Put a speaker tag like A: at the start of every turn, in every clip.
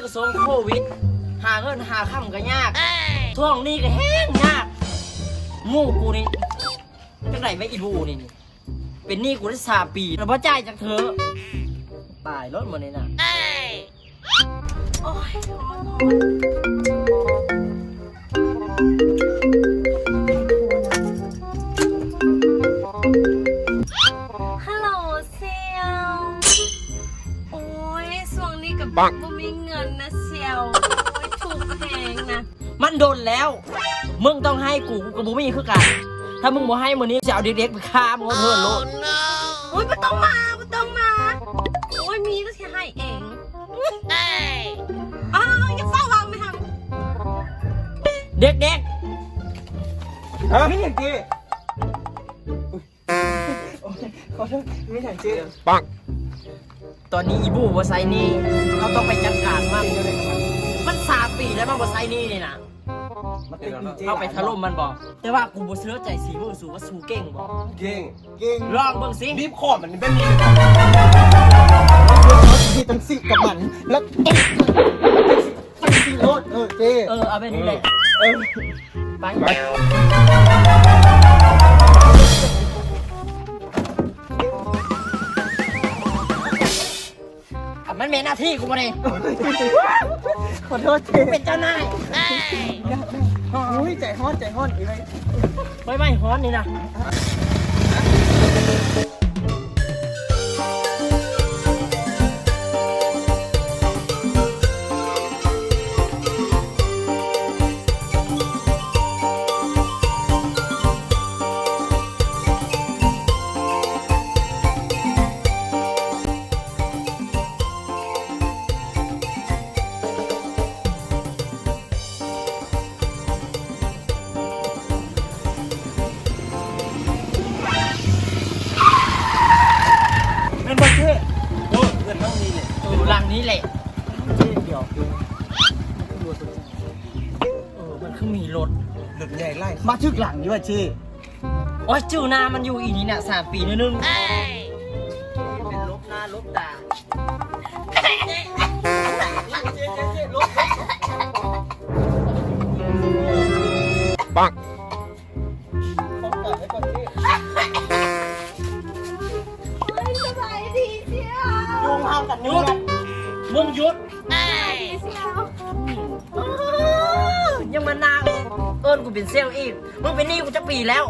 A: สมโควิดหาเงินหาค่ำก็ยากช่วงนี้ก็แห้งยากงูกูนี่จังไหนไม่อีบูนี่เป็นหนี้กูได้3 ปีแล้วพ่จ่ายจากเธอตายรถหมดเลยนะโอ้ย
B: ฮัลโหลเซียวโอ้ยช่วงนี้กับบ่มีเงินนะเซียวโอ้ยถูกแพงนะ
A: มันโดนแล้วมึงต้องให้กูกับบูมี่คือกันถ้ามึงบ่ให้มื้อนี้จะเอาเด็กๆไปฆ่ามึงเอาเถิดโลด
B: โอ้ยไม่ต้องมาโอ้ยมีก็แค่ให้เองอ้าวอย่าเฝ้าวางไม่ท
A: เด็ก
C: ฮะไม่เห็นเจ๊ขอโทษไม่เห็นเจ๊ปัง
A: ๆตอนนี้อีบูบ่ใส่หนี่เราต้องไปจัดการมัน3 ปีแล้วมันบ่ใส่หนี่นี่นะ
C: มาเป็นดีเจ
A: เข้าไปถล่มมันบอกแต่ว่ากูบ่เชื่อใจสีมือสูว่าสูเก่งบอก
C: เก่ง
A: ลองเบิ่งสิ
C: รีบขอมันเป็นนี่ที่ต้องสิกับมันแล้วสิรถเจ๊
A: เอาไปนี่แหละไปมันเป็นหน้าที่กูมาเลย
C: ขอโทษเจ๊
A: เป็นเจ้านาย
C: อุ้ยใจฮ้อนเลย
A: ไม่ฮ้อนนี่นะ
C: เป็นบอลเจ๊โอ้เงินต้องมีเลย
A: หลังนี้แหละ
C: เจ๊เดี๋ยว
A: มันคือมีรถ
C: รถใหญ่ไล่มาทึกหลังด้วยเจ๊
A: โอ้ยจูนามันอยู่อีนี่น่ะ3 ปีนึงเป็นลบหน้าลบตา
C: ปังต้องตัดไว้ก่อนเจ๊
B: ำเฮ้ยสบายดีเซียว
C: ยุงเห่ากัน
A: หยุดมึงหยุด
B: ดีเซียว
A: ยังมานางเอิญกูเป็นเซลล์อีกมึงเป็นหนี้กูจะปีแล้ว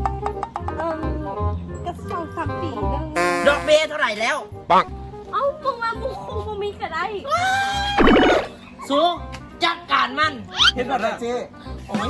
B: ก็2-3 ปีแล้ว
A: ดอกเบี้ยเท่าไหร่แล้ว
C: ปัง
B: เอ้ามึงมามึงคงบ่มีก็ได้
A: สูจัดการมัน
C: เห็นแบบนั้นเจ๊
A: โอ้ย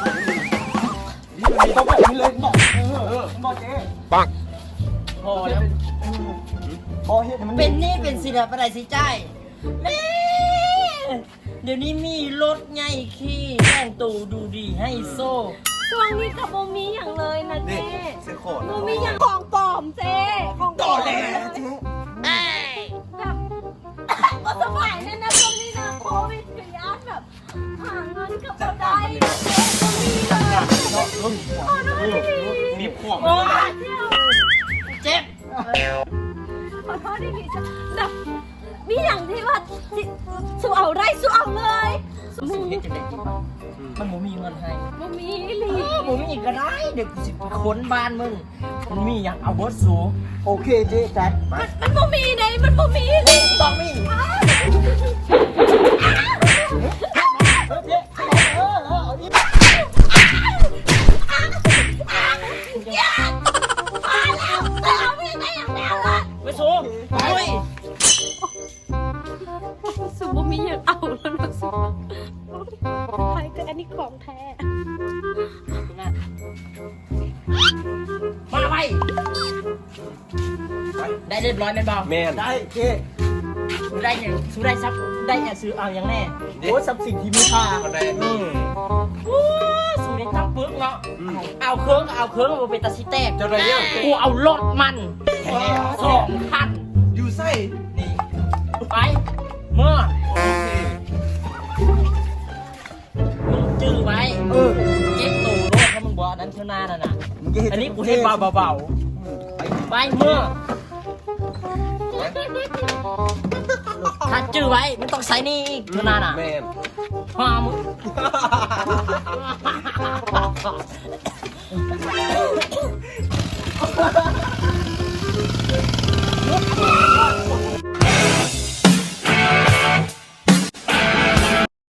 C: ต้องแบบนี้เลยบอกบอกเจ๊ปัง
A: พอแล้ว
C: พอเห็นมัน
A: เป็นหนี้เป็นสินอะไรไรสิจ่ายแม่เดี๋ยวนี้มีรถไงขี้แต่งตูดูดีให้โซ่
B: ช่วงนี้กับบ่มีอย่างเลยนะเจ๊
C: เสียขอ
B: บ่มีอย่างของปลอมเจ๊ของปล
C: ต่อ
B: อม
C: แล้วเจ๊
B: แบบก็สบายแน่นะช่วงนี้นะโควิดกับยานแบบหาเงินกับบ่ได้เจ๊บ่มีเลยขอโทษที
C: มีขวบ
A: โอ้ยเจ็บ
B: ขอโทษทีแบบมีอย่างที่ว่าสู้เอาได้สู้เอาเลยมึง
A: เฮ็ดจังได๋ดีป่ะมันบ่มีเงินให้
B: บ่มีหลี
A: บ่มีก็ได้เด็กสิไปค้นบ้านมึงมันมีอย่างเอาเบิร์ดสู
C: โอเคเจ๊จัดมา
B: มันบ่มีไหนมันบ่มีหลี
A: ต้องมี
B: มาแล้วเอาไม่ได้อย่างแล้วอ่ะ
A: ไปสูโอ้ย
B: สุบ่มีอย่างเอาแล้วนะสุใครแต่อันนี้ของแท้
A: มาไปได้เรียบร้อยแม่นบ่
C: แมนได้เจ๊
A: สูได้หยังสูได้ซับได้หยังซื้อเอาอย่างแน่
C: โอ้ทรัพย์สินที่มีค่าอะไร
A: วู้สูได้ตั้งปึกเนาะเอาเครื่องก็เอาเครื่องมาเป็นตาซิแตก
C: จะอะไรเนี่ย
A: กูเอารถมันแค่2 คัน
C: อยู่ไส้
A: นี่ไปเมื่อ
C: โอเค
A: มึงจื้อไว้เจ๊กตูรถถ้ามึงบอกอันนั้นเท่าหน้านั่นน่ะอันนี้กูให้เบาๆไปเมื่อ ถ้าจื้อไว้มันต้องใส่นี่อีกเท่านั้นอ่ะ
C: แม่น
A: ห้ามึง